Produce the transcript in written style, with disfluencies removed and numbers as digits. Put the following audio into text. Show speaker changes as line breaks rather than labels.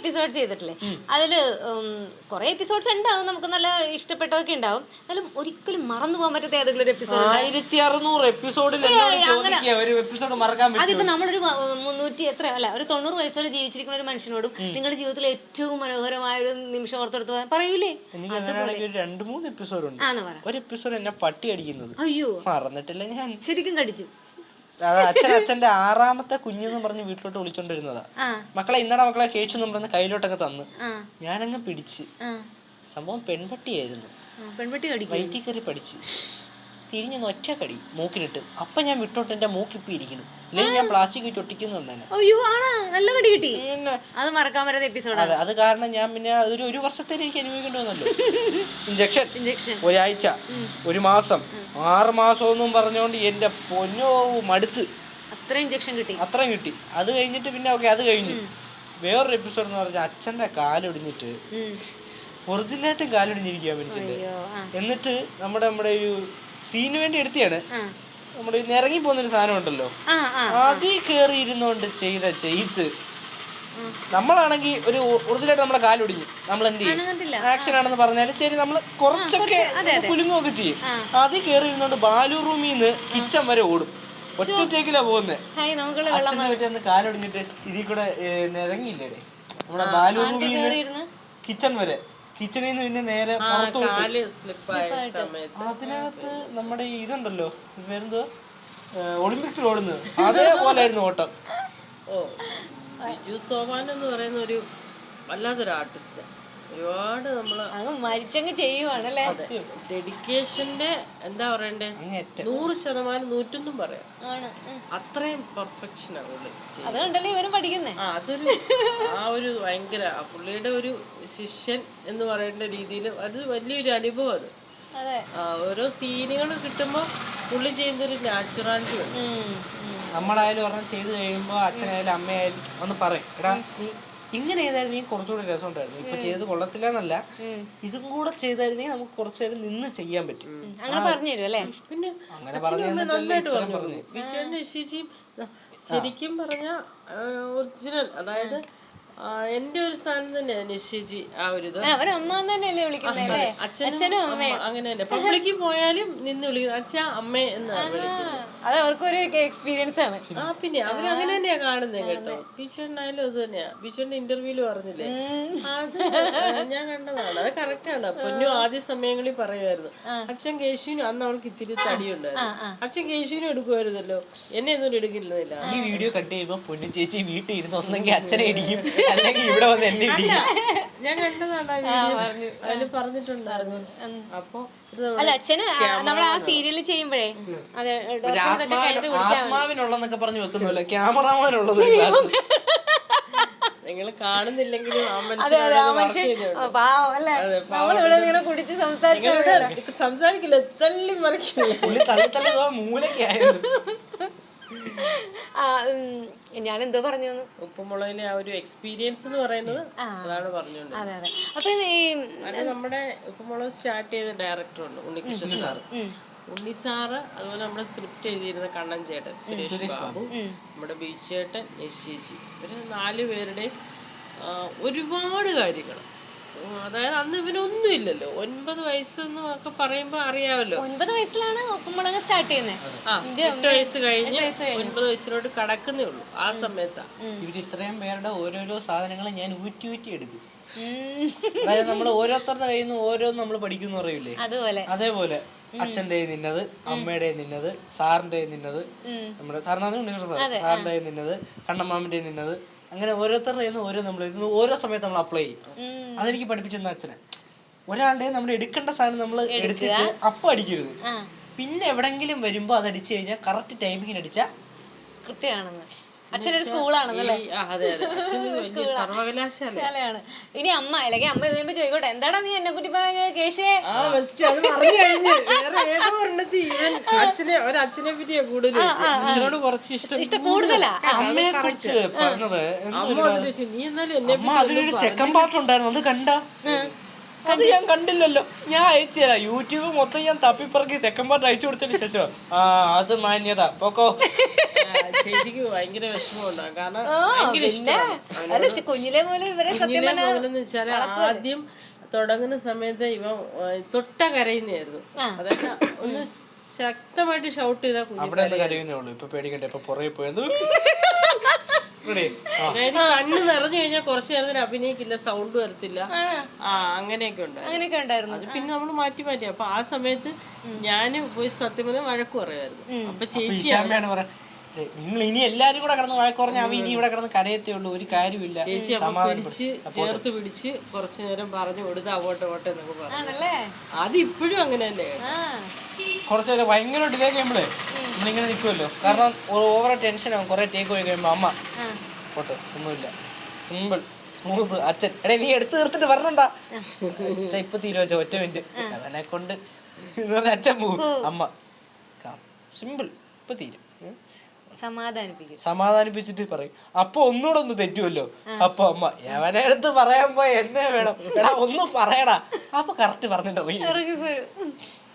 Episode ചെയ്തിട്ടില്ലേ, അതില് കുറെ എപ്പിസോഡ്സ് ഉണ്ടാവും, നമുക്ക് നല്ല ഇഷ്ടപ്പെട്ടതൊക്കെ ഉണ്ടാവും. എന്നാലും ഒരിക്കലും മറന്നു പോകാൻ പറ്റാത്ത ഏതെങ്കിലും ഒരു എപ്പിസോഡ്
1600 എപ്പിസോഡിൽ
അതിപ്പോ നമ്മളൊരു 300 എത്ര അല്ല ഒരു 90 വയസ്സ് വരെ ജീവിച്ചിരിക്കുന്ന ഒരു മനുഷ്യനോടും നിങ്ങളുടെ ജീവിതത്തിലെ ഏറ്റവും മനോഹരമായ ഒരു നിമിഷം ഓർത്തെടുത്ത് പറയൂലേ?
ഒരു 2-3 എപ്പിസോഡ് ഉണ്ട്. ഒരു എപ്പിസോഡ് എന്നെ പട്ടി അടിക്കുന്നത്
അയ്യോ
മറന്നിട്ടില്ല ഞാൻ.
ശരിക്കും കടിച്ചു.
അത് അച്ഛന്റെ 6ാമത്തെ കുഞ്ഞെന്ന് പറഞ്ഞ് വീട്ടിലോട്ട് വിളിച്ചോണ്ടിരുന്നതാ. മക്കളെ ഇന്നടാ മക്കളെ കേച്ചു എന്ന് പറഞ്ഞ് കയ്യിലോട്ടൊക്കെ തന്ന് ഞാനങ്ങ് പിടിച്ച്. സംഭവം പെൺപട്ടിയായിരുന്നു.
പെൺപട്ടി
വയറ്റിൽ കയറി പഠിച്ച് തിരിഞ്ഞൊന്ന് ഒറ്റ കടി മൂക്കിലിട്ട്. അപ്പൊ ഞാൻ വിട്ടോട്ട് എന്റെ മൂക്കിപ്പി ഇരിക്കുന്നു, അല്ലെങ്കിൽ ഞാൻ പ്ലാസ്റ്റിക് വെച്ച് ഒട്ടിക്കുന്നു തന്നെ.
അയ്യോ ആണോ, നല്ല കടി കിട്ടി. അത് മറക്കാൻ പറ്റാത്ത എപ്പിസോഡ്.
അതെ, അത് കാരണം ഞാൻ പിന്നെ ഒരു വർഷത്തേക്ക് എനിക്ക് അനുഭവിക്കേണ്ടി വന്നല്ലോ. ഇഞ്ചക്ഷൻ ഒരാഴ്ച, 1 മാസം, 6 മാസം എന്നും പറഞ്ഞുകൊണ്ട് എന്റെ പൊന്നോ മടുത്ത്.
അത്രയും ഇഞ്ചക്ഷൻ കിട്ടി.
അത്രയും കിട്ടി. അത് കഴിഞ്ഞിട്ട് പിന്നെ ഓക്കെ, അത് കഴിഞ്ഞു. വേറൊരു എപ്പിസോഡ് എന്ന് പറഞ്ഞാൽ അച്ഛന്റെ കാലൊടിഞ്ഞിട്ട് ഒറിജിനലായിട്ടും കാലൊടിഞ്ഞിരിക്കുക മനുഷ്യന്റെ. എന്നിട്ട് നമ്മുടെ ഒരു സീന് വേണ്ടി എടുത്തിയാണ്. നമ്മുടെ ഇറങ്ങി പോകുന്നൊരു സാധനം ഉണ്ടല്ലോ, അതിൽ കയറി ഇരുന്നോണ്ട് ചെയ്ത് നമ്മളാണെങ്കിൽ ഒരു ഒറിജിനലായിട്ട് നമ്മുടെ കാലൊടിഞ്ഞ് നമ്മൾ എന്ത് ചെയ്യും, ആക്ഷൻ ആണെന്ന് പറഞ്ഞാലും ശരി നമ്മൾ കുറച്ചൊക്കെ കുലുങ്ങുകയൊക്കെ ചെയ്യും. അതിൽ കയറി ഇരുന്നോണ്ട് ബാലു റൂമിൽ നിന്ന് കിച്ചൺ വരെ ഓടും. ഒറ്റയ്ക്കിലാ പോകുന്നത്. അച്ഛനെ പറ്റി കാലൊടിഞ്ഞിട്ട് ഇതിൽ കൂടെ ഇറങ്ങിയില്ലേ നമ്മുടെ ബാലു റൂമിൽ നിന്ന് കിച്ചൺ വരെ, കിച്ചണിൽ നിന്ന് പിന്നെ നേരെ അതിനകത്ത് നമ്മുടെ ഇതുണ്ടല്ലോ വേറെന്തോ ഒളിമ്പിക്സിൽ ഓടുന്നത് അതേപോലെ ആയിരുന്നു ഓട്ടം.
ബിജു സോമാൻ എന്ന് പറയുന്ന ഒരു വല്ലാത്തൊരു ആർട്ടിസ്റ്റ്. ഒരുപാട് നമ്മള്
മരിച്ചങ്ങ് ചെയ്യുവാണല്ലേ.
ഡെഡിക്കേഷന്റെ എന്താ പറയണ്ടേ, 100% 100 പറയാം. അത്രയും പെർഫെക്ഷൻ
അതുകൊണ്ടല്ലേ ഇവരും പഠിക്കുന്നേ.
അതൊരു ആ ഒരു ഭയങ്കര പുള്ളിയുടെ ഒരു ശിഷ്യൻ എന്ന് പറയേണ്ട രീതിയിൽ അത് വലിയൊരു അനുഭവം. അത് ഓരോ സീനുകൾ കിട്ടുമ്പോ പുള്ളി ചെയ്യുന്നൊരു നാച്ചുറാലിറ്റി ഉണ്ട്.
നമ്മളായാലും ഒരെണ്ണം ചെയ്ത് കഴിയുമ്പോ അച്ഛനായാലും അമ്മയായാലും ഒന്ന് പറയും, എടാ നീ ഇങ്ങനെ ചെയ്തായിരുന്നു കുറച്ചുകൂടെ രസം ഉണ്ടായിരുന്നു, ഇപ്പൊ ചെയ്ത് കൊള്ളത്തില്ല എന്നല്ല, ഇതും കൂടെ ചെയ്തായിരുന്നെങ്കിൽ നമുക്ക് കുറച്ചു നേരം നിന്ന് ചെയ്യാൻ പറ്റും.
അങ്ങനെ പറഞ്ഞു തരും അല്ലേ.
പിന്നെ
അങ്ങനെ പറഞ്ഞു
നന്നായിട്ട് പറഞ്ഞു. വിഷുവിന്റെ ശിശിയും ശരിക്കും പറഞ്ഞ ഒറിജിനൽ, അതായത് എന്റെ ഒരു സ്ഥാനം തന്നെയാ നിശ്ചയിച്ച്. ആ ഒരു ഇത് അച്ഛനും അങ്ങനെ തന്നെ പബ്ലിക്കിൽ പോയാലും നിന്ന് വിളിക്കുന്നത് അച്ഛാ അമ്മേ എന്നാണ് വിളിക്കുന്നത്.
അത് അവർക്കൊരു എക്സ്പീരിയൻസ് ആണ്.
പിന്നെ അവര് അങ്ങനെ തന്നെയാ കാണുന്നത് കേട്ടോ. ബിഷുണ്ണായാലും അത് തന്നെയാ. ബിഷുവിന്റെ ഇന്റർവ്യൂല് പറഞ്ഞില്ലേ, അത് ഞാൻ കണ്ടതാണ്. അത് കറക്റ്റ് ആണ്. പൊന്നു ആദ്യ സമയങ്ങളിൽ പറയുമായിരുന്നു അച്ഛൻ കേശുവിനും, അന്ന് അവൾക്ക് ഇത്തിരി തടിയുണ്ടായിരുന്നു, അച്ഛൻ കേശുവിനും എടുക്കുമായിരുന്നല്ലോ, എന്നെ ഒന്നും എടുക്കില്ല.
ഈ വീഡിയോ കട്ട് ചെയ്യുമ്പോ പൊന്നു ചേച്ചി വീട്ടിൽ ഇരുന്ന് ഒന്നെങ്കിൽ അച്ഛനെ ഇടിക്കും അല്ലെങ്കിൽ ഇവിടെ വന്ന് എന്നെ ഇടിക്കും.
ഞാൻ കണ്ടതാണ് ആ വീഡിയോ, അതിൽ പറഞ്ഞിട്ടുണ്ടായിരുന്നു. അപ്പൊ
അല്ല അച്ഛന് നമ്മൾ ആ സീരിയൽ ചെയ്യുമ്പോഴേ
ആത്മാവിനുള്ളന്നൊക്കെ പറഞ്ഞു വെക്കുന്നല്ലോ, ക്യാമറമാനുള്ളത്
നിങ്ങൾ കാണുന്നില്ലെങ്കിലും സംസാരിക്കില്ല, തള്ളി മറിക്കില്ല.
മൂലക്കായിരുന്നു.
ഞാൻ എന്തോ പറഞ്ഞു,
ഉപ്പുമുളകിലെ ആ ഒരു എക്സ്പീരിയൻസ് എന്ന് പറയുന്നത് അതാണ് പറഞ്ഞോണ്ട്.
അപ്പൊ
നമ്മുടെ ഉപ്പുമുളക് സ്റ്റാർട്ട് ചെയ്ത ഡയറക്ടറുണ്ട് ഉണ്ണികൃഷ്ണൻ സാറ്. ഉണ്ണി സാറ്, അതുപോലെ നമ്മുടെ സ്ക്രിപ്റ്റ് എഴുതിയിരുന്ന കണ്ണൻ ചേട്ടൻ, സുരേഷ് ബാബു, നമ്മുടെ ബീച്ച് ചേട്ടൻ, നിശ്ചയിച്ചി, ഇവര് 4 പേരുടെയും ഒരുപാട് കാര്യങ്ങൾ. അതായത് അന്ന് ഇവനൊന്നും ഇല്ലല്ലോ. 9 വയസ്സെന്ന് ഒക്കെ പറയുമ്പോ അറിയാമല്ലോ.
9 വയസ്സിലാണ് ഉപ്പുമുളക് സ്റ്റാർട്ട് ചെയ്യുന്നത്.
8 വയസ്സ് കഴിഞ്ഞ് 9 വയസ്സിലോട്ട് കടക്കുന്നേ ഉള്ളൂ. ആ സമയത്താ
ഇവര് ഇത്രയും പേരുടെ ഓരോരോ സാധനങ്ങൾ ഞാൻ ഊറ്റി എടുക്കും. അതായത് നമ്മൾ ഓരോരുത്തരുടെ കയ്യിൽ നിന്ന് ഓരോന്ന് നമ്മൾ പഠിക്കുന്നു പറയൂലേ, അതേപോലെ അച്ഛൻ്റെ നിന്നത്, അമ്മയുടെ നിന്നത്, സാറിന്റെ നിന്നത്, നമ്മുടെ സാറിനാണ് ഉണ്ണികൃഷ്ണൻ സാർ, സാറിന്റെ നിന്നത്, കണ്ണമ്മാമിന്റെ നിന്നത്, അങ്ങനെ ഓരോരുത്തരുടെ ഓരോ നമ്മൾ ഓരോ സമയത്ത് നമ്മൾ അപ്ലൈ ചെയ്യും. അതെനിക്ക് പഠിപ്പിച്ചെന്ന അച്ഛനെ. ഒരാളുടെ നമ്മൾ എടുക്കേണ്ട സാധനം നമ്മൾ എടുത്തിട്ട് അപ്പം അടിക്കരുത്, പിന്നെ എവിടെങ്കിലും വരുമ്പോ അത് അടിച്ചു കഴിഞ്ഞാൽ കറക്റ്റ് ടൈമിങ്ങിന് അടിച്ചാൽ
കൃത്യമാണെന്ന്. അച്ഛനൊരു സ്കൂളാണെന്നല്ലേ,
സർവകലാശാലയാണ്.
ഇനി അമ്മ അല്ലെങ്കിൽ അമ്മ ഇതിനുമ്പോ ചോദിക്കോട്ടെ, എന്താടാ നീ എന്നെ കുറ്റി പറഞ്ഞത് കേശുവേ?
അച്ഛനെ പറ്റിയാ കൂടുതൽ അച്ഛനോട് കുറച്ച് ഇഷ്ടം കൂടുതലാ.
അമ്മയെ കുറിച്ച് പറഞ്ഞത്
നീ എന്നാലും എന്നെ
സെക്കൻഡ് പാർട്ട് ഉണ്ടായിരുന്നു, അത് കണ്ട അത് ഞാൻ കണ്ടില്ലല്ലോ. ഞാൻ അയച്ചു തരാം. യൂട്യൂബ് മൊത്തം ഞാൻ തപ്പിപ്പറക്കി സെക്കൻഡ് പാർട്ട് അയച്ചു കൊടുത്തതിന് ശേഷം അത് മാന്യത പോക്കോ.
ചേച്ചിക്ക് ഭയങ്കര വിഷമമുണ്ടാകും. കാരണം
കുഞ്ഞിലെ പോലെ ഇവരെ
കുഞ്ഞിലെ മുതലെന്ന് വെച്ചാൽ ആദ്യം തുടങ്ങുന്ന സമയത്ത് ഇവ തൊട്ട കരയുന്നതായിരുന്നു. അതൊക്കെ ഒന്ന് ശക്തമായിട്ട് ഷൗട്ട് ചെയ്താൽ
അവിടെ കരയുന്നേ ഉള്ളൂ. ഇപ്പൊ പേടിക്കട്ടെ, ഇപ്പൊ പുറകെ പോയത്
അതായത് കണ്ണ് നിറഞ്ഞു കഴിഞ്ഞാൽ കുറച്ചു നേരത്തിന് അഭിനയിക്കില്ല, സൗണ്ട് വരത്തില്ല. അങ്ങനെയൊക്കെ ഉണ്ടായിരുന്നു. അത് പിന്നെ നമ്മൾ മാറ്റി അപ്പൊ ആ സമയത്ത് ഞാന് പോയി സത്യം പറഞ്ഞാൽ വഴക്ക് പറയുമായിരുന്നു. അപ്പൊ ചേച്ചി
നിങ്ങൾ ഇനി എല്ലാരും കൂടെ കിടന്ന് വഴക്ക് പറഞ്ഞാൽ അവൻ ഇനി ഇവിടെ കിടന്ന് കരയത്തേ ഉള്ളൂ. ഒരു കാര്യമില്ല.
ചേച്ചി ചേർത്ത് പിടിച്ച് കുറച്ചു നേരം പറഞ്ഞു കൊടുത്ത് അങ്ങോട്ട് എന്നൊക്കെ പറഞ്ഞു. അത് ഇപ്പോഴും അങ്ങനെ തന്നെയാണ്.
കുറച്ചു നേരം ഭയങ്കരമായിട്ട് ഇതേ കഴിയുമ്പോഴേ നമ്മളിങ്ങനെ നിൽക്കുമല്ലോ. കാരണം ഓവർ ടെൻഷനാകും. കുറെ ടേക്ക് പോയി കഴിയുമ്പോ അമ്മ പോട്ടെ ഒന്നുമില്ല, സിമ്പിൾ സ്മൂത്ത് അച്ഛൻ. നീ എടുത്തു തീർത്തിട്ട് പറഞ്ഞണ്ടാ ഇപ്പൊ തീരുവച്ച ഒറ്റ മിനിറ്റ് അവനെ കൊണ്ട് എന്ന് പറഞ്ഞ അച്ഛൻ പോവും. അമ്മ സിമ്പിൾ ഇപ്പൊ തീരും. സമാധാനിപ്പിച്ചിട്ട് പറയും. അപ്പൊ ഒന്നുകൂടെ ഒന്ന് തെറ്റുമല്ലോ. അപ്പൊ അമ്മ അവനെ അടുത്ത് പറയാൻ പോയ എന്നെ വേണം, എടാ ഒന്നും പറയടാ. അപ്പൊ കറക്റ്റ് പറഞ്ഞിട്ട്